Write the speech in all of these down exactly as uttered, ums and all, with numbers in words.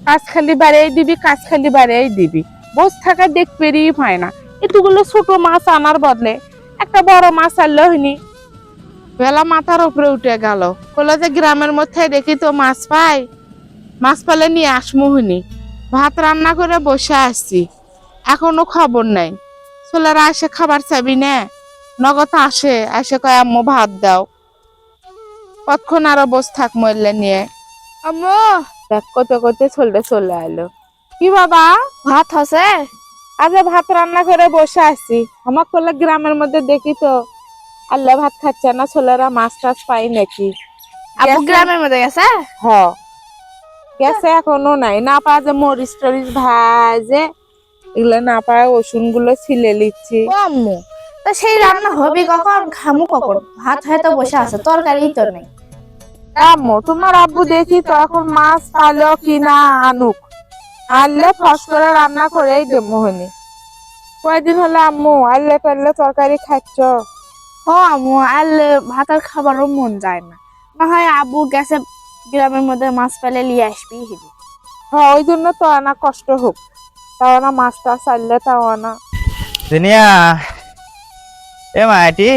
কাজ খালি বাড়াই দিবি, কাজ খালি বাড়াই দিবি, বস থাকা দেখবেরই হয় না। এতগুলো ছোট মাছ আনার বদলে একটা বড় মাছ আনলো হইনি। বেলা মাথার উপরে উঠে গেল, বলে যে গ্রামের মধ্যে দেখি তো মাছ পাই, মাছ পেলে নিয়ে আসমু হইনি। ভাত রান্না করে বসে আসছি, এখনো খবর নাই। ছেলেরা এসে খাবার চাবি না, নগদ আসে, এসে কয় আম্মু ভাত দাও। কতক্ষণ আরো বস থাক মরলে নিয়ে। আম্মু দেখ করতে করতে চলতে চলে আইলো। কি বাবা, ভাত আছে? আজ ভাত রান্না করে বসে আছি। আমার করলে গ্রামের মধ্যে দেখি তো আল্লাহ ভাত খাচ্ছে না, ছেলেরা মাছ টাছ পাই নাকি। আপু গ্রামের মধ্যে গেছে? হ গেছে, এখনো নাই। না পাওয়া যে মরিচ টরিচ ভাজে এগুলো না পায়, ওষুন গুলো ছিলে লিচ্ছি। ও আম্মু, তা সেই রান্না হবে কখন, খামু কখন? ভাত হয়তো বসে আছে, তরকারি তো নেই। আম্মু তোমার আব্বু দেখি তো এখন মাছ পালো কিনা আনুক, আনলে ফস করে রান্না করেই দেবো হনি। কয়দিন হলে আম্মু আনলে টানলে তরকারি খাচ্ছ? হ আম্মু, আনলে ভাত আর খাবারও মন যায় না। না হয় আব্বু গেছে গ্রামের মধ্যে, মাছ পেলে নিয়ে আসবি হিবি। হ্যাঁ ওই জন্য তো আনা কষ্ট হোক, তাও না মাছ টাছ আনলে তাও আনা। দুনিয়া এ মাটি,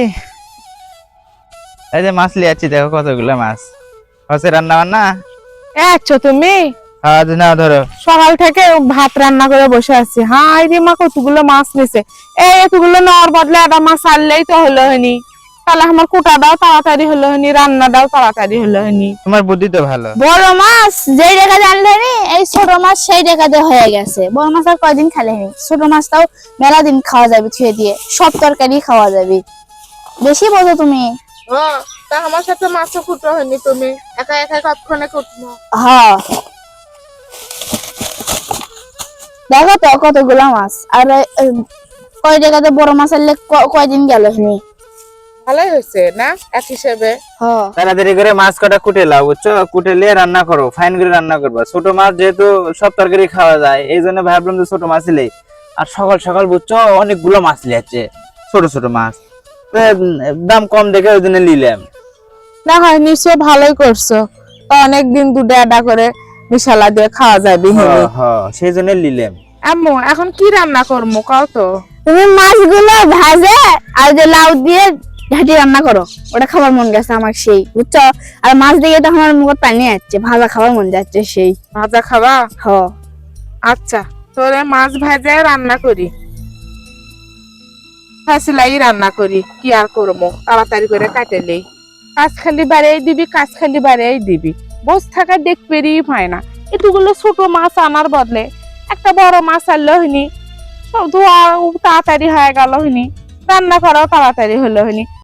এই যে মাছ লিয়াচ্ছি, দেখো কতগুলো মাছ হচ্ছে। রান্না বান্না আচ্ছা তুমি আজ না ধরো সকাল থেকে ভাত রান্না করে বসে আছি। হ্যাঁ রে মা, কতগুলো মাছ নিছে। এই এতগুলো নেওয়ার বদলে একটা মাছ আনলেই তো হলো হনি, তাহলে আমার কুটা দাও তাড়াতাড়ি হলো হনি, রান্না দাও তাড়াতাড়ি হলো হনি। তোমার বুদ্ধি তো ভালো। বড় মাছ যেই রেখা জানলে নি, এই ছোট মাছ সেই রেখাতে হয়ে গেছে। বড় মাছ আর কয়দিন খালেনি, ছোট মাছটাও মেলা দিন খাওয়া যাবে, ছুঁয়ে দিয়ে সব তরকারি খাওয়া যাবে। বেশি বোঝো তুমি। হ্যাঁ তা আমার সাথে মাছও কুটো হয়নি, তুমি একা একা কতক্ষণে কুটবো। হ্যাঁ দেখো তো কতগুলা মাছ, আর এই কয় জায়গাতে বড় মাছ আনলে ক- কয়দিন গেল নি। ভালোই হয়েছে না এক হিসেবে। হ্যাঁ তাড়াতাড়ি করে মাছ কটা কুটে লাও, বুঝছো? কুটে নিয়ে রান্না করো, ফাইন করে রান্না করবা। ছোট মাছ যেহেতু সব তরকারি খাওয়া যায়, এই জন্য ভাবলাম যে ছোট মাছ লেই। আর সকাল সকাল বুঝছো অনেকগুলো মাছ লিয়াচ্ছে, ছোট ছোট মাছ। তো, উম, দাম কম দেখে ওই জন্য নিলাম। না হয় নিশ্চয় ভালোই করছো, তো অনেকদিন দুধে আডা করে মিশালা দিয়ে খাওয়া যাবে। হ্যাঁ হ্যাঁ, সেই জন্য নিলাম। আম্মু এখন কি রান্না করবো কাও তো? তুমি মাছগুলো ভাজে আর যে লাউ দিয়ে ঘাটি রান্না করো, ওটা খাবার মন গেছে আমার সেই, বুঝছো? আর মাছ দিয়ে তো আমার মুখে পানি আসছে, ভাজা খাবার মন যাচ্ছে সেই। ভাজা খাবা? হ আচ্ছা তোরে মাছ ভাজা রান্না করি, ফাঁসিলাই রান্না করি, কি আর করবো, তাড়াতাড়ি করে কাটেলেই। কাজ খালি বাড়াই দিবি, কাজ খালি বাড়াই দিবি, বস থাকা দেখবেরই হয় না। এতগুলো ছোট মাছ আনার বদলে একটা বড় মাছ আনলো হইনি, সব ধোয়া তাড়াতাড়ি হয়ে গেল হইনি, রান্না করাও তাড়াতাড়ি হলো হইনি।